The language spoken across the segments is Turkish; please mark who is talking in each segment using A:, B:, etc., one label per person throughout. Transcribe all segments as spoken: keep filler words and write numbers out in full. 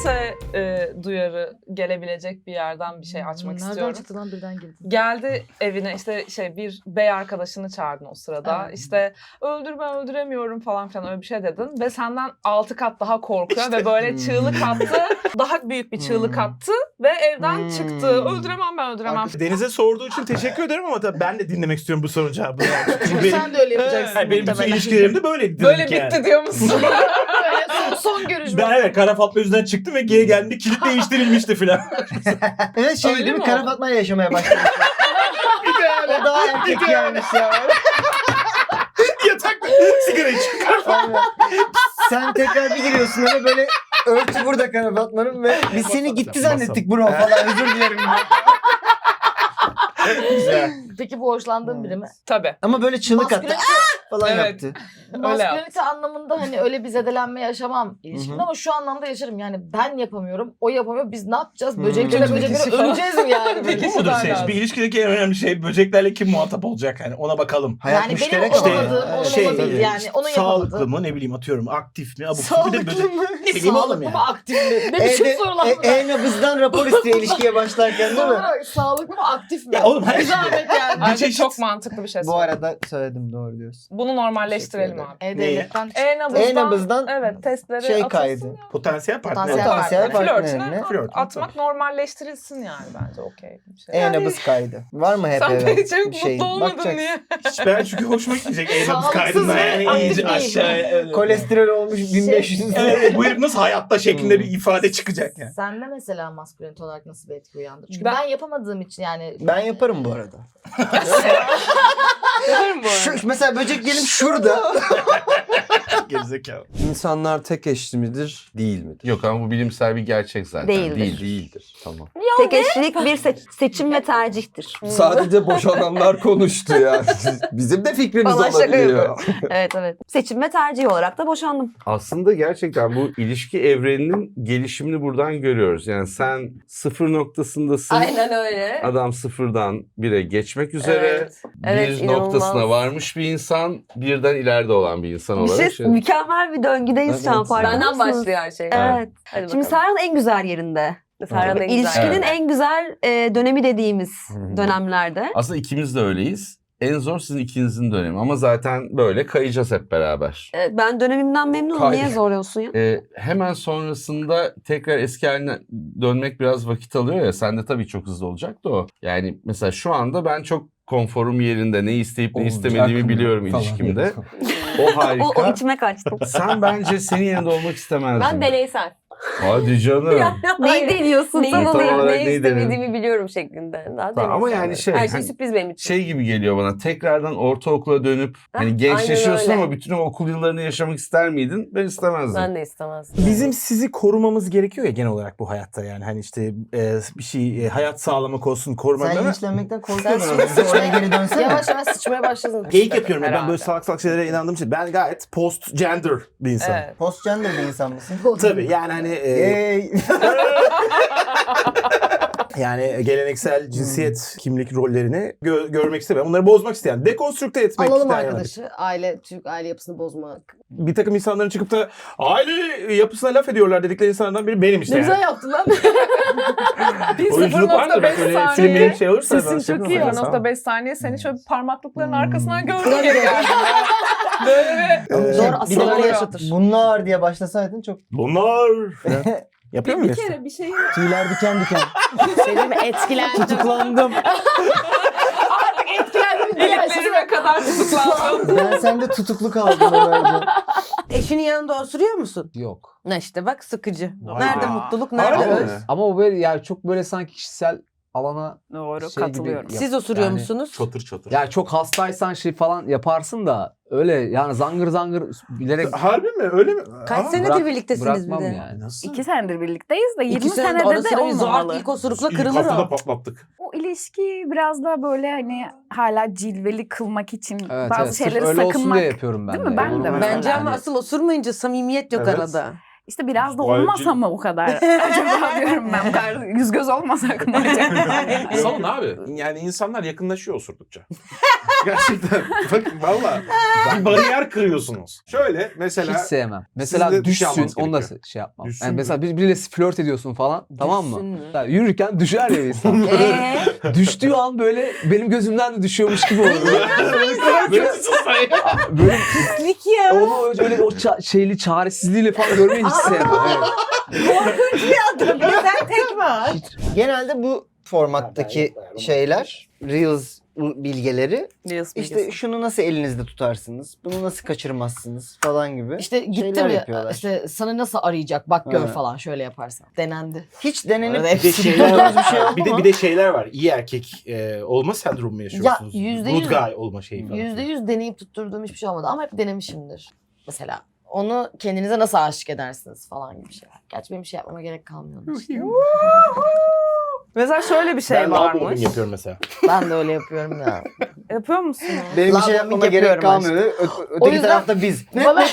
A: kalite e, duyarı gelebilecek bir yerden bir şey açmak
B: Nereden
A: istiyorum.
B: Nereden çıktı lan birden girdi?
A: Geldi evine işte şey bir bey arkadaşını çağırdın o sırada.
B: Evet.
A: İşte öldürme öldüremiyorum falan filan öyle bir şey dedin. Ve senden altı kat daha korkuyor ve böyle çığlık attı. Daha büyük bir çığlık attı ve evden çıktı. Öldüremem ben öldüremem.
C: Deniz'e sorduğu için teşekkür ederim ama tabii ben de dinlemek istiyorum bu sorunun cevabını. Yani. Çünkü benim,
B: Sen de öyle yapacaksın.
C: yani benim bütün
B: muhtemelen.
C: ilişkilerimde böyleydi.
A: Böyle
C: yani.
A: bitti diyor musun?
B: Böyle son, son görüşme.
C: Ben evet Kara Fatma yüzünden çıktım ve geri geldiğimde kilit değiştirilmişti filan.
D: Evet şey
A: Öyle
D: değil mi?
A: mi
D: Kara
A: o?
D: Fatma'yla yaşamaya başlamış. O daha erkek gelmiş ya.
C: Yatakta sigara içiyor.
D: Aynen. Sen tekrar bir giriyorsun eve böyle örtü burada Kara Fatma'nın ve biz seni gitti zannettik bro falan özür dilerim.
C: Güzel.
B: Peki bu hoşlandığın biri mi?
A: Tabii.
D: Ama böyle çığlık attı
B: Maskülenite,
D: falan
A: Evet.
D: yaptı.
B: maskülenite anlamında hani öyle bir zedelenme yaşamam ilişkimde ama şu anlamda yaşarım. Yani ben yapamıyorum, o yapamıyor. Biz ne yapacağız?
D: Hmm.
B: Böceklere
D: İkinci
B: böceklere
A: kişi falan.
B: öleceğiz mi yani?
C: Peki
A: Peki,
C: mudur
A: süper
C: seç?
A: lazım.
C: Bir ilişkideki en önemli şey böceklerle kim muhatap olacak yani ona bakalım.
D: Hayat
B: Yani benim
D: müşterek
C: işte,
B: olamadığım, onun
C: şey,
B: olabilir yani. Onun
C: Sağlıklı
B: yapamadığı.
C: mı ne bileyim atıyorum aktif mi? Abuk subuk bir de
B: Sağlıklı
C: böcek.
B: mı?
C: Ne bileyim oğlum
B: Sağlıklı
C: yani.
B: mı, aktif mi? Ne biçim
D: Evde
B: sorular
D: e,
B: bunlar?
D: e-nabızdan rapor istiyor ilişkiye başlarken değil mi?
B: Sonra Sağlıklı mı, aktif mi?
C: Ya oğlum, her
B: Bir
C: şey-
B: zahmet yani.
A: Bence
C: çeşit-
A: çok mantıklı bir şey
D: Bu
A: söyledin.
D: arada söyledim doğru diyorsun.
A: Bunu normalleştirelim
D: Teşekkür
A: abi.
B: E-Devlet'ten
A: E-nabızdan,
D: E-nabızdan
A: evet testleri
D: şey
A: atılsın
D: kaydı.
A: ya.
C: Potansiyel partner.
B: Potansiyel
D: Potansiyel
B: partner.
A: Flörtüne
D: partnerine
C: Flört.
A: atmak normalleştirilsin yani bence okey bir şey.
D: E-nabız kaydı. Var mı hep
A: Sen
D: eve?
A: de hiç
D: Şey,
A: mutlu olmadın
D: bakacaksın.
A: niye?
C: Hiç ben çünkü hoşuma gidecek eğlenimiz
B: Sağlıksız
C: kaydında
B: ve
C: yani
B: aktif
C: iyice
B: değil.
C: aşağıya. Evet.
D: Kolesterol olmuş bin beş yüz.
C: Evet, bu herif nasıl hayatta şeklinde bir ifade çıkacak yani.
B: Sende mesela maskülenite olarak nasıl bir etki uyandırır? Çünkü
A: Ben-
B: ben, yapamadığım için yani.
D: Ben yaparım bu arada.
A: Yaparım bu
D: Şu,
A: arada.
D: mesela böcek diyelim şurada.
C: Gerizekalı.
E: İnsanlar tek eşli midir, değil midir?
F: Yok ama bu bilimsel bir gerçek zaten.
G: Değildir.
F: Değil.
E: Değildir. Tamam.
G: Tek eşlilik bir se- seçim ve tercihtir.
E: Sadece boşananlar konuştu ya. Bizim de fikrimiz
G: Vallahi şaka
E: olabiliyor.
G: Evet evet. Seçim ve tercih olarak da boşandım.
F: Aslında gerçekten bu ilişki evreninin gelişimini buradan görüyoruz. Yani sen sıfır noktasındasın.
G: Aynen öyle.
F: Adam sıfırdan bire geçmek üzere.
G: Evet. Evet,
F: bir
G: inanılmaz.
F: noktasına varmış bir insan, birden ileride olan bir insan
G: Bir
F: olarak.
G: şey, mükemmel bir döngüdeyiz şu an
E: Evet.
G: farkında
H: Benden
G: mısınız?
H: başlıyor her şey.
G: Evet.
H: Hadi
G: Şimdi Serhan en güzel yerinde.
H: Serhan en güzel
G: İlişkinin
F: yerinde.
G: en güzel e, dönemi dediğimiz
E: Hı.
G: dönemlerde.
F: Aslında ikimiz de öyleyiz. En zor sizin ikinizin dönemi ama zaten böyle kayacağız hep beraber.
G: Evet, ben dönemimden memnunum.
E: Kay-
G: Niye zorluyorsun ya?
F: Ee, hemen sonrasında tekrar eski haline dönmek biraz vakit alıyor ya. Sende tabii çok hızlı olacak da o. Yani mesela şu anda ben çok konforum yerinde. Ne isteyip ne istemediğimi biliyorum
E: Falan.
F: ilişkimde. O
G: O,
F: harika.
G: o içime kaçtım.
F: Sen bence senin yerinde olmak istemezdin.
H: Ben deneysel.
F: Hadi canım.
G: Neyi deniyorsun?
H: Neyi,
G: Tam
F: Tam
G: olarak?
F: olarak
H: ne
F: neyi
H: istemediğimi biliyorum şeklinde. Daha
F: Tamam, ama
H: deneysel.
F: yani şey,
H: Her şey
F: hani-
H: sürpriz benim için.
F: Şey gibi geliyor bana. Tekrardan ortaokula dönüp hani
H: Hah,
F: gençleşiyorsun
H: aynen öyle.
F: ama bütün o okul yıllarını yaşamak ister miydin? Ben istemezdim.
H: Ben de istemezdim.
C: Bizim sizi korumamız gerekiyor ya genel olarak bu hayatta yani hani işte e, bir şey e, hayat sağlamak olsun korumak.
D: Sen
C: ama
D: linçlenmekten korkuyordun ama bize oraya geri dönsene.
B: Yavaş yavaş sıçmaya başladın.
C: geyik yapıyorum ya ben
A: Herhalde.
C: böyle salak salak şeylere inandığım için ben gayet post gender bir insanım.
A: Evet.
D: Postgender bir insan mısın?
C: Tabii yani hani e,
D: Yay.
C: yani geleneksel cinsiyet kimlik rollerini gö- görmek istemeyen, onları bozmak isteyen, dekonstrükte etmek
B: Alalım
C: isteyen yani.
B: arkadaşı. Aile, Türk aile yapısını bozmak.
C: Bir takım insanların çıkıp da aile yapısına laf ediyorlar dedikleri insanlardan biri benim işte
B: Ne
C: yani.
B: güzel yaptın lan.
A: Bir
C: Oyunculuk var da bak öyle filmlerin şey olursa.
A: Sesin
C: ben şey
A: çok iyi.
C: yaparım.
A: sıfır nokta beş saniye seni şöyle parmaklıkların
C: Hmm.
A: arkasından gördüm geri geldim. Böyle bir...
D: Ama
B: Zor
D: şey,
B: asıl
D: bir de
B: oraya
D: böyle
B: yaşatır.
D: bunlar diye başlasaydın çok
C: Bunlar. Yapıyor
H: Bir
C: muyuz?
H: kere bir şey
D: tüyler diken diken.
B: Şey değil mi? Etkilendim.
D: Tutuklandım.
B: Etkilendim. diye
A: İliklerime kadar tutuklandım.
D: Ben sende tutuklu kaldım herhalde.
H: Eşinin yanında osuruyor musun?
E: Yok.
H: Ne işte bak sıkıcı.
C: Vay
H: Nerede
C: be.
H: mutluluk,
C: Harbi
H: nerede
C: mi?
H: öz?
E: Ama o böyle yani çok böyle sanki kişisel alana
A: Doğru
E: şey
A: katılıyorum.
E: gibi-
H: Siz osuruyor
E: Yani
H: musunuz?
C: Çatır çatır.
E: yani çok hastaysan şey falan yaparsın da öyle yani zangır zangır bilerek
C: Harbi mi? Öyle mi?
H: Kaç
C: Aa,
H: senedir
E: bırak-
H: birliktesiniz bir
E: bırakmam
H: de?
E: yani.
C: Nasıl?
A: İki senedir birlikteyiz de yirmi
H: İki sene
A: senede
H: ara
A: de
H: sıra bir zor
A: olmamalı.
H: ilk osurukla
C: İlk
H: kırılır
C: haftada
H: o.
C: patlattık.
I: O ilişki biraz da böyle hani hala cilveli kılmak için
E: Evet,
I: bazı
E: evet. Sırf
I: şeyleri
E: öyle olsun
I: sakınmak.
E: diye yapıyorum ben
I: Değil
E: de.
I: mi? Ben de
E: Yani.
I: mesela.
H: Bence ama asıl osurmayınca samimiyet yok
C: Evet.
H: arada.
I: İşte biraz da
C: Vay
I: olmasa
C: cin-
I: mı o kadar? Acaba diyorum ben. Bu kadar yüz göz olmasak mı acaba?
C: Salın abi. Yani insanlar yakınlaşıyor osurdukça. Gerçekten. Bakın valla. Bir bariyer kırıyorsunuz. Şöyle mesela.
E: Hiç sevmem. Mesela
C: Sizde bir şey
E: düşsün,
C: almanız
E: onu da
C: gerekiyor.
E: şey yapmam.
C: Düşsün
E: Yani
C: mü?
E: mesela bir- biriyle flört ediyorsun falan, tamam mı?
H: Düşsün mü?
E: Ya yürürken düşer ya insan.
H: Eee?
E: Düştüğü an böyle benim gözümden de düşüyormuş gibi oluyor. böyle, böyle
H: Pislik ya.
E: onu öyle o ça- şeyli çaresizliğiyle falan görmeyi hiç sevmem. Evet.
H: Korkunç bir adam. Bir de sen tekme at.
D: Genelde bu formattaki şeyler, Reels bilgeleri
H: Reels
D: işte
H: bilgisi.
D: şunu nasıl elinizde tutarsınız, bunu nasıl kaçırmazsınız falan gibi.
B: İşte gittim
D: şeyler
B: ya
D: yapıyorlar.
B: işte sana nasıl arayacak bak gör
D: Evet.
B: falan şöyle yaparsan. Denendi.
D: Hiç denenip
B: Arada
C: Bir de
B: hepsi
C: şeyler
D: bulduğunuz bir şey oldu
C: bir de
D: mu?
C: bir de şeyler var. İyi erkek e, olma sendromu mu yaşıyorsunuz?
B: Ya, yüzde
C: Good
B: yüz-
C: guy olma şeyi falan.
B: Yüzde yüz deneyip tutturduğum hiçbir şey olmadı ama hep denemişimdir. Mesela onu kendinize nasıl aşık edersiniz falan gibi şeyler. Gerçi benim bir şey yapmama gerek kalmıyor. onun için.
A: Mesela şöyle bir şey
C: ben love bombing
A: varmış.
C: yapıyorum mesela.
B: Ben de öyle yapıyorum ya.
A: Yapıyor musunuz?
D: Benim bir
B: Love
D: şey
B: bombing
D: yapmama gerek
B: yapıyorum
D: kalmıyor. Ö- ö-
B: O
D: öteki
B: yüzden-
D: tarafta biz.
B: Bana-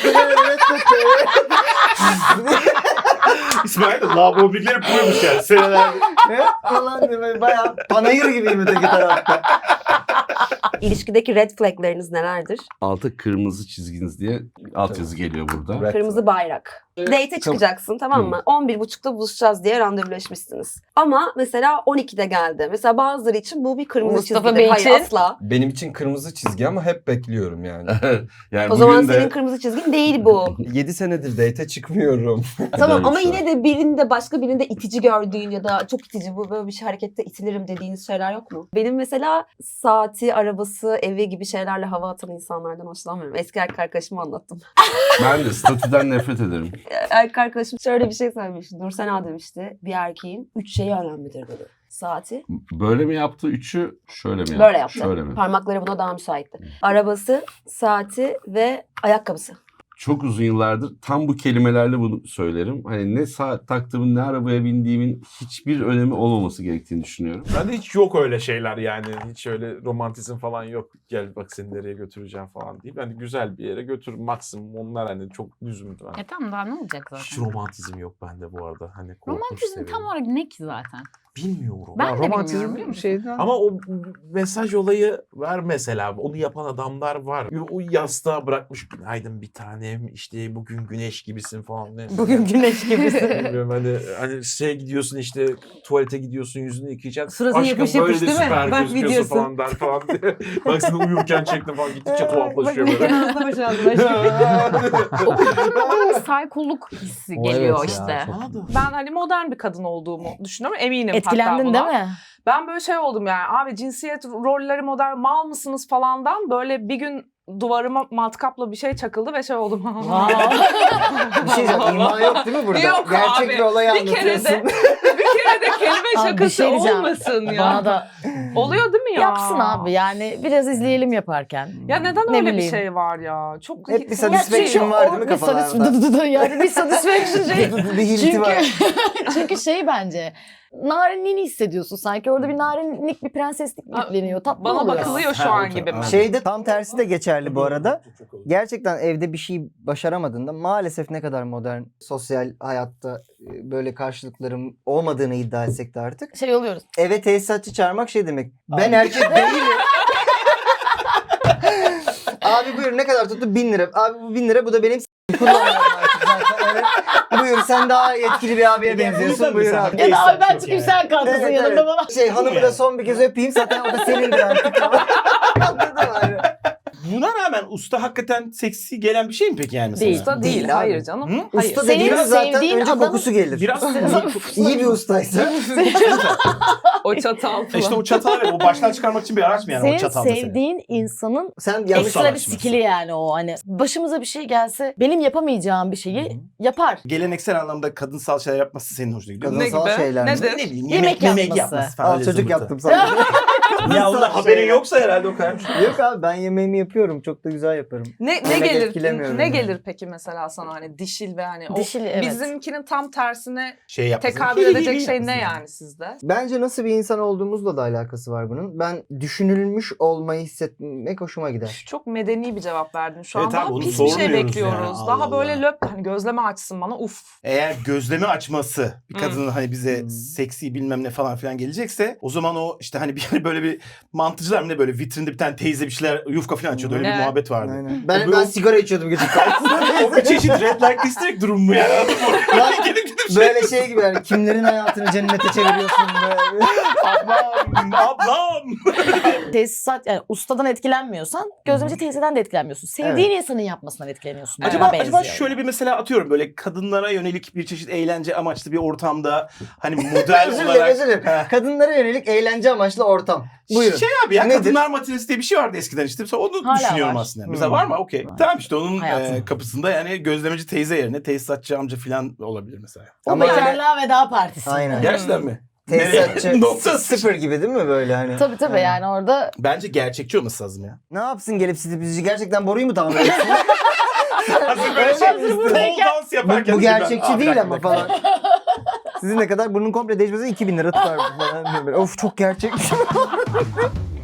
C: İsmail de love bombingleri yapıyormuş yani seneler.
D: Ne? Falan diye böyle bayağı panayır gibiyim öteki tarafta.
G: İlişkideki red flagleriniz nelerdir?
F: Altı kırmızı çizginiz diye alt yazı geliyor burada.
C: Red
G: Kırmızı bayrak. Date'e çıkacaksın, tamam mı? on bir buçukta buluşacağız diye randevuleşmişsiniz. Ama mesela on ikide geldi. Mesela bazıları için bu bir kırmızı
B: Mustafa
G: çizgidir.
B: Bey
G: Hayır,
B: için-
G: asla.
J: Benim için kırmızı çizgi ama hep bekliyorum yani.
F: Yani
G: O zaman
F: bugün de
G: senin kırmızı çizgin değil bu.
J: yedi senedir date çıkmıyorum.
G: Tamam ama
F: Böyle bir
G: yine de birinde başka birinde itici gördüğün ya da çok itici bu böyle bir şey harekette itilirim dediğiniz şeyler yok mu? Benim mesela saati, arabası, evi gibi şeylerle hava atan insanlardan hoşlanmıyorum. Eski erkek arkadaşıma anlattım.
F: ben de statüden nefret ederim.
G: Erkek arkadaşım şöyle bir şey söylemişti. Nursena demişti. Bir erkeğin üç şeyi önemlidir dedi. Saati.
F: Böyle mi yaptı üçü, şöyle mi yaptı?
G: Böyle yaptı.
F: Şöyle mi?
G: Parmakları buna daha müsaitti. Arabası, saati ve ayakkabısı.
F: Çok uzun yıllardır tam bu kelimelerle bunu söylerim. Hani ne saat taktığımın ne arabaya bindiğimin hiçbir önemi olmaması gerektiğini düşünüyorum.
K: Bende hiç yok öyle şeyler yani. Hiç öyle romantizm falan yok. Gel bak seni nereye götüreceğim falan deyip. Hani güzel bir yere götür. Maksimum onlar hani çok düzüm.
I: E tamam daha ne olacak
K: Hiç
I: zaten?
K: romantizm yok bende bu arada. Hani korkunç
I: Romantizm
K: seviyorum.
I: tam olarak ne ki zaten?
K: Bilmiyorum.
I: Ben
E: Ya
I: de bilmiyorum,
E: romantizm
I: biliyor
E: bir
I: musun?
E: şeyden.
K: Ama o mesaj olayı var mesela. Onu yapan adamlar var. O yastığa bırakmış günaydın bir tanem işte bugün güneş gibisin falan. Ne?
H: Bugün güneş gibisin.
K: Bilmiyorum hani, hani şey gidiyorsun işte tuvalete gidiyorsun yüzünü yıkayacaksın.
H: Suratın
K: Aşkım
H: yapış
K: böyle
H: yapış
K: de
H: değil mi?
K: süper
H: Bak
K: gözüküyorsun
H: videosu.
K: falan der falan diye. Bak seni uyurken çektim falan gittikçe tuhaflaşıyor
H: Bak
K: böyle.
H: ağzına boşaldı başım.
I: O bir saykoluk hissi
E: O
I: geliyor
E: evet ya,
I: işte.
E: çok-
K: Bana da.
A: Ben hani modern bir kadın olduğumu düşünüyorum. Eminim hatta
B: Etkilendin
A: buna.
B: değil mi?
A: Ben böyle şey oldum yani. Abi cinsiyet rolleri modern mal mısınız falandan böyle bir gün duvarıma matkapla bir şey çakıldı ve şey oldum.
D: Bir şey diyeceğim. İma yok değil mi burada?
A: Yok
D: Gerçek
A: abi.
D: bir olayı
A: Bir kere
D: anlatıyorsun.
A: de bir kere de kelime
B: Abi bir
A: şakası
B: şey diyeceğim.
A: olmasın ya.
B: Bana da
A: Oluyor değil mi ya?
B: yapsın abi yani biraz izleyelim yaparken.
A: Ya neden
B: Ne
A: öyle bir
B: bileyim.
A: şey var ya? Çok
D: Hep bir
A: Ya
D: satisfaction
A: şey-
D: var değil mi
B: Bir satis-
D: kafalarda?
B: dı dı dı dı yani bir satisfaction şey.
D: bir hilti
B: Çünkü,
D: var.
B: çünkü şey bence narinliğini hissediyorsun sanki. Orada bir narinlik, bir prenseslik
A: Ha,
B: yükleniyor. Tatlı
A: Bana
B: oluyor.
A: bakılıyor şu
K: Ha,
A: an
K: okey,
A: gibi mi?
K: anladım.
D: Şeyde tam tersi de geçerli bu arada. Gerçekten evde bir şey başaramadığında maalesef ne kadar modern sosyal hayatta e, böyle karşılıkların olmadığını iddia etsek de artık.
B: Şey oluyoruz.
D: Eve tesisatçı çağırmak şey demek. Ben erkek değilim. Abi buyur ne kadar tuttu? Bin lira. Abi bu bin lira bu da benim s- kullanmıyorum artık zaten. Evet. Buyur sen daha yetkili bir abiye benziyorsun. Buyur abi.
B: Ya da abi ben çıkayım sen kalkasın
D: Evet,
B: yanımda
D: evet.
B: bana.
D: Şey hanımı da son bir kez öpeyim zaten o da senindir artık. Anladın mı? Hani?
C: Buna rağmen usta hakikaten seksi gelen bir şey mi peki yani mesela?
B: Değil.
A: Usta değil,
D: Değil abi.
A: hayır canım.
C: Hı?
A: Hayır.
D: Usta
B: Senin
D: dediğimiz zaten
B: sevdiğin
D: önce
B: adam-
D: kokusu gelir.
C: Biraz
D: İyi bir ustaysa.
A: O çatal falan.
C: işte o çatal o baştan çıkarmak için bir araç mı yani o
B: Senin
C: çatal mesela?
B: sevdiğin insanın
D: Sen yanlış
B: ekstra bir
C: araştırması.
B: skill'i yani o hani. Başımıza bir şey gelse benim yapamayacağım bir şeyi yapar.
C: Geleneksel anlamda kadınsal şeyler yapması senin hoşuna gidiyor.
A: Ne
D: Kadınsal
A: gibi?
D: şeyler mi?
A: Nedir?
C: Ne bileyim
B: Yemek
C: yemek, yemek
B: yapması.
C: yapması falan.
D: Al
C: öyle
D: çocuk
C: zımbırtı.
D: yaptım sana.
C: Ya onda haberin yoksa herhalde o kadar.
D: Yok abi ben yemeğimi yapıyorum. yapıyorum. Çok da güzel yaparım.
A: Ne ne
D: Yemek
A: gelir?
D: etkilemiyorum
A: Ne
D: yani.
A: gelir peki mesela sana hani dişil ve hani o
B: Dişil, evet.
A: bizimkinin tam tersine
C: Şey yapmasın.
A: tekabül edecek şey ne yani sizde?
D: Bence nasıl bir insan olduğumuzla da alakası var bunun. Ben düşünülmüş olmayı hissetmek hoşuma gider.
A: Çok medeni bir cevap verdin. Şu
C: Evet
A: an daha
C: abi, onu
A: pis bir şey
C: sormuyoruz
A: bekliyoruz.
C: yani, Allah
A: Daha böyle
C: Allah.
A: löp hani gözleme açsın bana uf.
L: Eğer gözleme açması bir
A: Hmm.
L: kadının hani bize
D: Hmm.
L: seksi bilmem ne falan filan gelecekse o zaman o işte hani bir böyle bir mantıcılar mı ne böyle vitrinde bir tane teyze bir şeyler yufka falan açıyordu. Öyle
A: Evet.
L: bir muhabbet vardı.
D: Aynen.
L: O
D: Ben,
L: böyle-
D: ben sigara içiyordum gece karşısında.
L: O bir çeşit red light district durum mu yani? Anladın mı?
D: Lan,
L: Gidip gidip
D: Böyle şey gibi yani kimlerin hayatını cennete çeviriyorsun böyle.
L: ablam, ablam.
B: Tesisat yani ustadan etkilenmiyorsan gözlemci teyzeden de etkilenmiyorsun. Sevdiğin insanın yapmasından etkileniyorsun.
L: Acaba
B: Buna
L: acaba
B: benziyor.
L: şöyle bir mesela atıyorum böyle kadınlara yönelik bir çeşit eğlence amaçlı bir ortamda hani model
D: Özür dilerim
L: olarak
D: özür dilerim. Kadınlara yönelik eğlence amaçlı ortam. Buyurun.
L: Şey abi ya
D: Nedir?
L: kadınlar matinesi diye bir şey vardı eskiden işte. Mesela onu
B: Hala
L: düşünüyorum
B: var.
L: aslında.
D: Hmm.
L: Mesela var mı? Okey. Tamam işte onun
B: Hayatım.
L: e, kapısında yani gözlemeci teyze yerine tesisatçı amca falan olabilir mesela.
B: O
D: Ama öyle-
B: bekarlığa veda partisi.
D: Aynen.
L: Gerçekten mi?
D: Tesisatçı
L: Nereye? Nokta
D: sıfır gibi değil mi böyle hani?
B: Tabii tabii yani orada
L: Bence gerçekçi olması lazım ya.
D: Ne yapsın gelip sizi gerçekten boruyu mu tamir etsin?
L: Hazır böyle şey pole dans
D: bu,
L: yaparken.
D: bu gerçekçi
L: Aa, bir
D: değil
L: dakika,
D: ama
L: bir dakika.
D: falan. Sizin ne kadar bunun komple değişmesi iki bin lira tutar falan. Böyle, of çok gerçekçi.